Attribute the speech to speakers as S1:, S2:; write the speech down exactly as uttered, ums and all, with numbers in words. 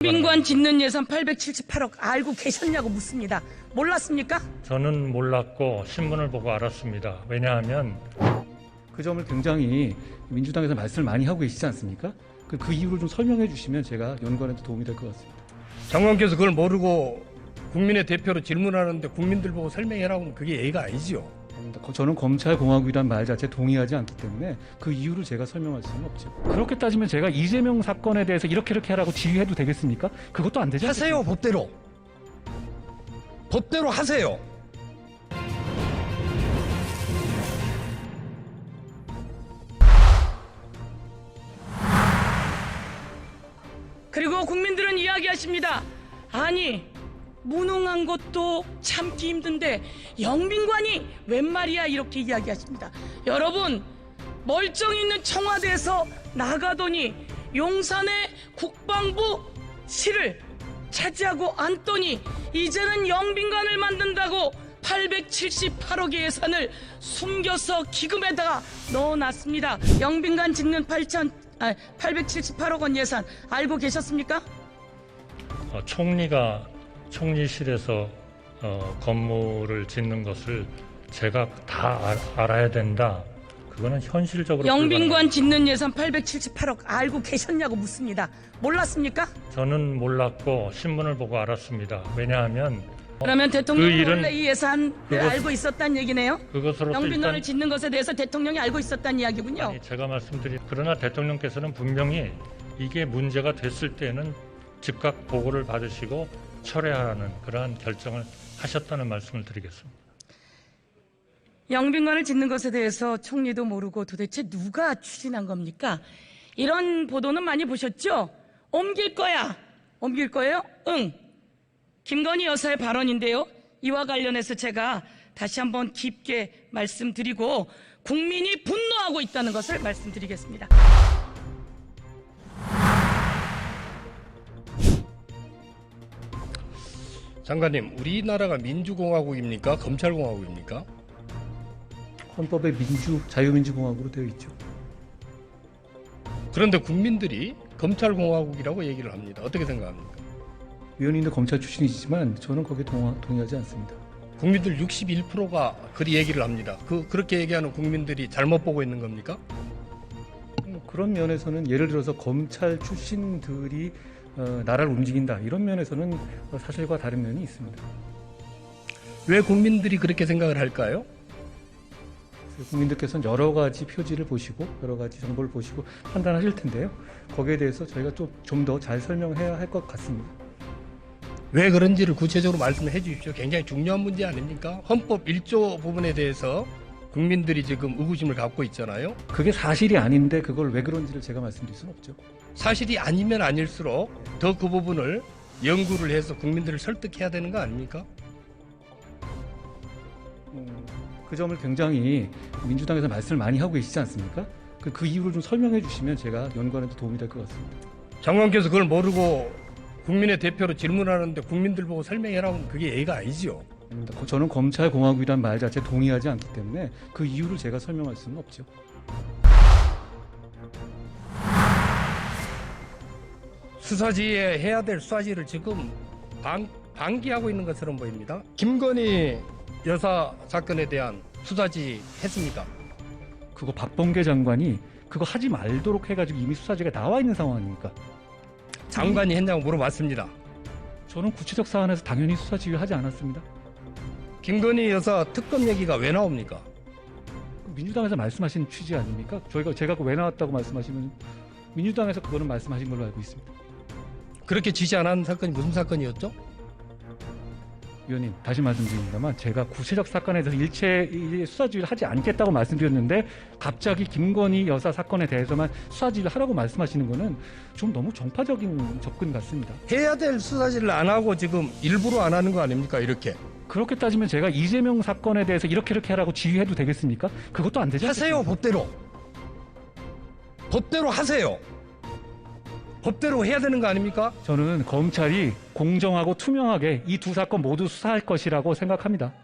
S1: 영빈관 짓는 예산 팔백칠십팔억 알고 계셨냐고 묻습니다. 몰랐습니까?
S2: 저는 몰랐고 신문을 보고 알았습니다. 왜냐하면
S3: 그 점을 굉장히 민주당에서 말씀을 많이 하고 계시지 않습니까? 그, 그 이유를 좀 설명해 주시면 제가 연구하는데 도움이 될 것 같습니다.
S4: 장관께서 그걸 모르고 국민의 대표로 질문하는데 국민들 보고 설명해라고 하면 그게 예의가 아니지요.
S3: 저는 검찰공화국이란 말 자체에 동의하지 않기 때문에 그 이유를 제가 설명할 수는 없죠. 그렇게 따지면 제가 이재명 사건에 대해서 이렇게 이렇게 하라고 지휘해도 되겠습니까? 그것도 안 되지 않습니까?
S4: 하세요, 법대로. 법대로 하세요.
S1: 그리고 국민들은 이야기하십니다. 아니 무능한 것도 참기 힘든데 영빈관이 웬 말이야 이렇게 이야기하십니다. 여러분 멀쩡히 있는 청와대에서 나가더니 용산의 국방부실을 차지하고 앉더니 이제는 영빈관을 만든다고 팔백칠십팔억의 예산을 숨겨서 기금에다가 넣어놨습니다. 영빈관 짓는 팔천, 아, 팔백칠십팔억 원 예산 알고 계셨습니까?
S2: 어, 총리가 총리실에서 어, 건물을 짓는 것을 제가 다 알, 알아야 된다. 그거는 현실적으로
S1: 영빈관 짓는 예산 팔백칠십팔억 알고 계셨냐고 묻습니다. 몰랐습니까?
S2: 저는 몰랐고 신문을 보고 알았습니다. 왜냐하면
S1: 그러면 대통령이
S2: 그 일은
S1: 원래 이 예산을
S2: 그것-
S1: 알고 있었다는 얘기네요?
S2: 그것으로서
S1: 영빈관을
S2: 일단
S1: 짓는 것에 대해서 대통령이 알고 있었다는 이야기군요.
S2: 아니, 제가 말씀드린 그러나 대통령께서는 분명히 이게 문제가 됐을 때는 즉각 보고를 받으시고 철회하라는 그러한 결정을 하셨다는 말씀을 드리겠습니다.
S1: 영빈관을 짓는 것에 대해서 총리도 모르고 도대체 누가 추진한 겁니까? 이런 보도는 많이 보셨죠? 옮길 거야. 옮길 거예요? 응. 김건희 여사의 발언인데요. 이와 관련해서 제가 다시 한번 깊게 말씀드리고 국민이 분노하고 있다는 것을 말씀드리겠습니다.
S4: 장관님, 우리나라가 민주공화국입니까? 검찰공화국입니까?
S3: 헌법에 민주, 자유민주공화국으로 되어 있죠.
S4: 그런데 국민들이 검찰공화국이라고 얘기를 합니다. 어떻게 생각합니까?
S3: 위원님도 검찰 출신이시지만 저는 거기에 동하, 동의하지 않습니다.
S4: 국민들 육십일 퍼센트가 그리 얘기를 합니다. 그, 그렇게 얘기하는 국민들이 잘못 보고 있는 겁니까?
S3: 음, 그런 면에서는 예를 들어서 검찰 출신들이 어, 나라를 움직인다 이런 면에서는 사실과 다른 면이 있습니다.
S4: 왜 국민들이 그렇게 생각을 할까요?
S3: 그래서 국민들께서는 여러 가지 표지를 보시고 여러 가지 정보를 보시고 판단하실 텐데요. 거기에 대해서 저희가 좀 더 잘 설명해야 할 것 같습니다.
S4: 왜 그런지를 구체적으로 말씀해 주십시오. 굉장히 중요한 문제 아닙니까? 헌법 일 조 부분에 대해서 국민들이 지금 의구심을 갖고 있잖아요.
S3: 그게 사실이 아닌데 그걸 왜 그런지를 제가 말씀드릴 수는 없죠.
S4: 사실이 아니면 아닐수록 더 그 부분을 연구를 해서 국민들을 설득해야 되는 거 아닙니까?
S3: 음, 그 점을 굉장히 민주당에서 말씀을 많이 하고 계시지 않습니까? 그, 그 이유를 좀 설명해 주시면 제가 연구하는 데 도움이 될 것 같습니다.
S4: 장관께서 그걸 모르고 국민의 대표로 질문하는데 국민들 보고 설명해라고 하면 그게 예의가 아니지요.
S3: 아닙니다. 저는 검찰공화국이란 말 자체에 동의하지 않기 때문에 그 이유를 제가 설명할 수는 없죠.
S4: 수사지에 해야 될 수사지를 지금 방, 방기하고 있는 것처럼 보입니다. 김건희 여사 사건에 대한 수사지 했습니까?
S3: 그거 박범계 장관이 그거 하지 말도록 해가지고 이미 수사지가 나와 있는 상황 아닙니까?
S4: 장관이 했냐고 물어봤습니다.
S3: 저는 구체적 사안에서 당연히 수사 지휘하지 않았습니다.
S4: 김건희 여사 특검 얘기가 왜 나옵니까?
S3: 민주당에서 말씀하신 취지 아닙니까? 저희가 제가 그 왜 나왔다고 말씀하시면 민주당에서 그거는 말씀하신 걸로 알고 있습니다.
S4: 그렇게 지시 안 한 사건이 무슨 사건이었죠?
S3: 위원님 다시 말씀드립니다만 제가 구체적 사건에 대해서 일체 수사 지휘를 하지 않겠다고 말씀드렸는데 갑자기 김건희 여사 사건에 대해서만 수사 지휘를 하라고 말씀하시는 거는 좀 너무 정파적인 접근 같습니다.
S4: 해야 될 수사지를 안 하고 지금 일부러 안 하는 거 아닙니까? 이렇게.
S3: 그렇게 따지면 제가 이재명 사건에 대해서 이렇게 이렇게 하라고 지휘해도 되겠습니까? 그것도 안 되죠.
S4: 하세요, 법대로. 법대로 하세요. 법대로 해야 되는 거 아닙니까?
S3: 저는 검찰이 공정하고 투명하게 이 두 사건 모두 수사할 것이라고 생각합니다.